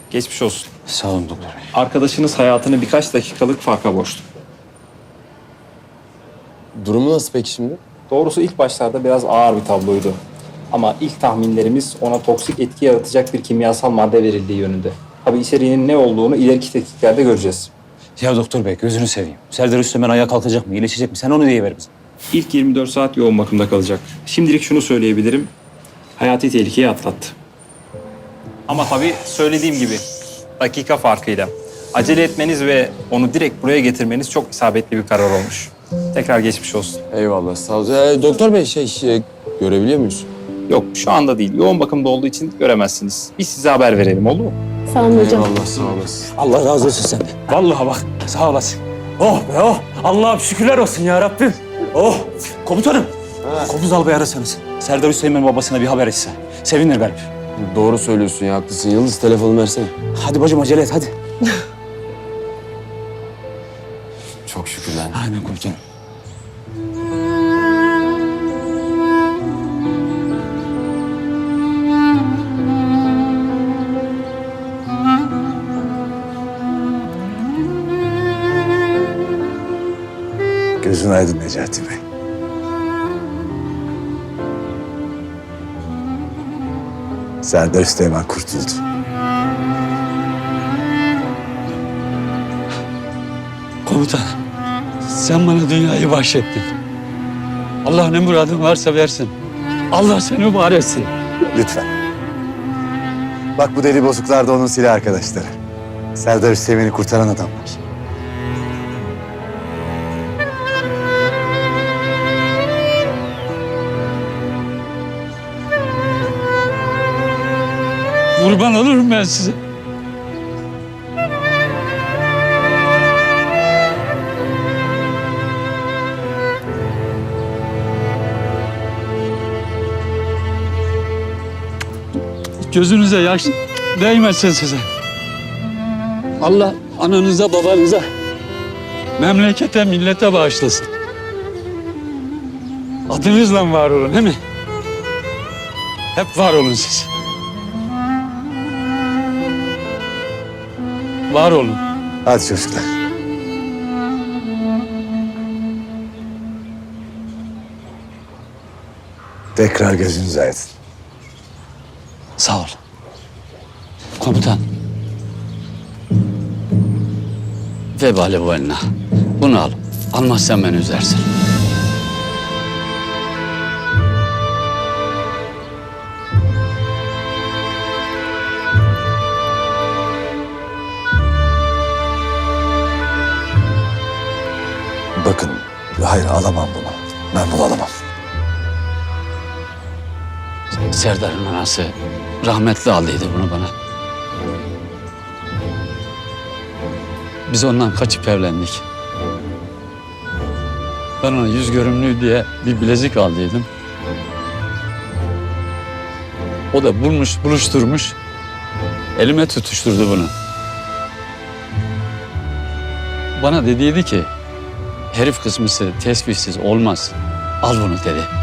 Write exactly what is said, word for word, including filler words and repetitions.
Geçmiş olsun. Sağ olun doktor bey. Arkadaşınız hayatını birkaç dakikalık farka boğuştu. Durumu nasıl peki şimdi? Doğrusu ilk başlarda biraz ağır bir tabloydu. Ama ilk tahminlerimiz ona toksik etki yaratacak bir kimyasal madde verildiği yönünde. Tabii içeriğinin ne olduğunu ileriki tetkiklerde göreceğiz. Ya doktor bey gözünü seveyim. Serdar Üstemen ayağa kalkacak mı, iyileşecek mi? Sen onu diye ver bize. İlk yirmi dört saat yoğun bakımda kalacak. Şimdilik şunu söyleyebilirim. Hayati tehlikeyi atlattı. Ama tabii söylediğim gibi dakika farkıyla. Acele etmeniz ve onu direkt buraya getirmeniz çok isabetli bir karar olmuş. Tekrar geçmiş olsun. Eyvallah sağ ol. Ee, doktor bey şey, şey görebiliyor muyuz? Yok şu anda değil. Yoğun bakımda olduğu için göremezsiniz. Biz size haber verelim oldu mu? Sağ olun hocam. Eyvallah sağ olasın. Allah razı olsun senden. Vallahi bak sağ olasın. Oh be oh. Allah'ım şükürler olsun ya Rabbim. Oh. Komutanım. Kopuz albayı arasanız. Serdar Üstemen babasına bir haber etse. Sevinir garip. Doğru söylüyorsun ya haklısın. Yıldız telefonu versene. Hadi bacım acele et hadi. Çok şükür lan. Aynen komutanım. Gözün aydın Necati Bey. Serdar Üsteğmen kurtuldu. Komutan, sen bana dünyayı bahşettin. Allah ne muradın varsa versin. Allah seni var etsin. Lütfen. Bak bu deli bozuklar da onun silah arkadaşları. Serdar Üsteğmen'i kurtaran adamlar. Kurban olurum ben size. Gözünüze yaş değmesin size. Allah ananıza babanıza, memlekete millete bağışlasın. Adınızla var olun değil mi? Hep var olun siz. Var olun. Hadi çocuklar. Tekrar gözünüz aydın. Sağ ol. Komutan. Vebali bu eline. Bunu al. Almazsan beni üzersin. Bakın, hayır alamam bunu. Ben bunu alamam. Serdar'ın anası rahmetli aldıydı bunu bana. Biz ondan kaçıp evlendik. Ben ona yüz görümlüğü diye bir bilezik aldıydım. O da bulmuş, buluşturmuş. Elime tutuşturdu bunu. Bana dediydi ki, herif kısmısı tesbihsiz olmaz. Al bunu dedi.